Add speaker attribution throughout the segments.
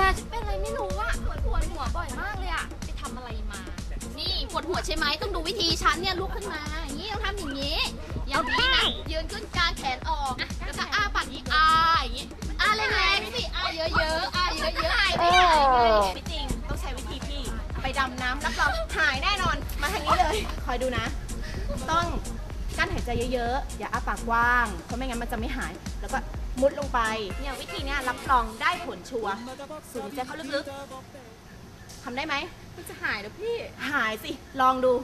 Speaker 1: ฉันเป็นอะไรไม่รู้อะปวดหัวบ่อยมากเลยอะไปทำอะไรมานี่ปวดหัวใช่ไหมต้องดูวิธีฉันเนี่ยลุกขึ้นมาอย่างนี้ต้องทำอย่างนี้อย่างนี้นะยืนขึ้นกางแขนออกแล้วก็อ้าปากนี้อย่างนี้แรงๆสิเยอะๆเยอะๆไม่จริงต้องใช้วิธีพี่ไปดำน้ำรับรองหายแน่นอนมาทางนี้เลยคอยดูนะต้องกั้นหายใจเยอะๆอย่าอ้าปากกว้างเพราะไม่งั้นมันจะไม่หายแล้วก็มุดลงไปเนี่ยวิธีนี้รับรองได้ผลชัวร์สูดหายใจเข้าลึกๆทำได้ไหมมันจะหายแล้วพี่หายสิลองดู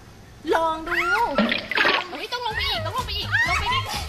Speaker 1: ต้องลงไปอีกลงไปใกล้ทำ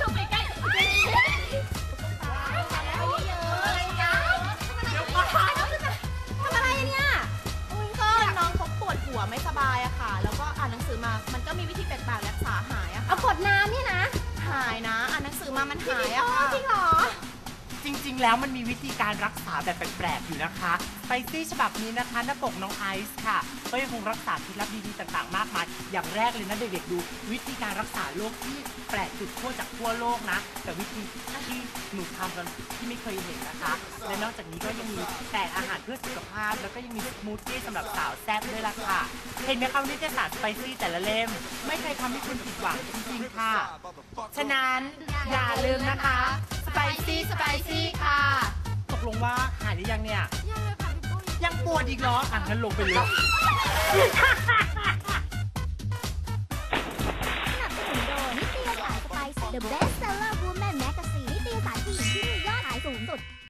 Speaker 1: อะไรเนี่ยก็น้องเขาปวดหัวไม่สบายอะค่ะแล้วก็อ่านหนังสือมามันก็มีวิธีแปลกๆรักษาหายอะเอากดน้ำนี่นะหายนะอ่านหนังสือมามันหายอะค่ะจริงเหรอ
Speaker 2: จริงๆแล้วมันมีวิธีการรักษาแบบแปลกๆอยู่นะคะไปซี่ฉบับนี้นะคะหน้าปกน้องไอซ์ค่ะก็ยังคงรักษาเคล็ดลับดีๆต่างๆมากมายอย่างแรกเลยนะเด็กๆดูวิธีการรักษาโรคที่แปลกสุดขั้วจากทั่วโลกนะแต่วิธีที่หนูทำกันที่ไม่เคยเห็นนะคะและนอกจากนี้ก็ยังมีแต่อาหารเพื่อสุขภาพแล้วก็ยังมีสมูทตี้สำหรับสาวแซ่บด้วยล่ะค่ะเห็นไหมคะนิตยสารสไปซี่แต่ละเล่มไม่เคยทำให้คุณผิดหวังจริงๆค่ะฉะนั้นอย่าลืมนะคะสไปซี่ค่ะตกลงว่าหายหรือยังเนี่ยยังปวดอีกเหรองั้นลงไปเลย
Speaker 3: สนับสนุนโดยนิตยสารสไปซ์ The Best Seller Woman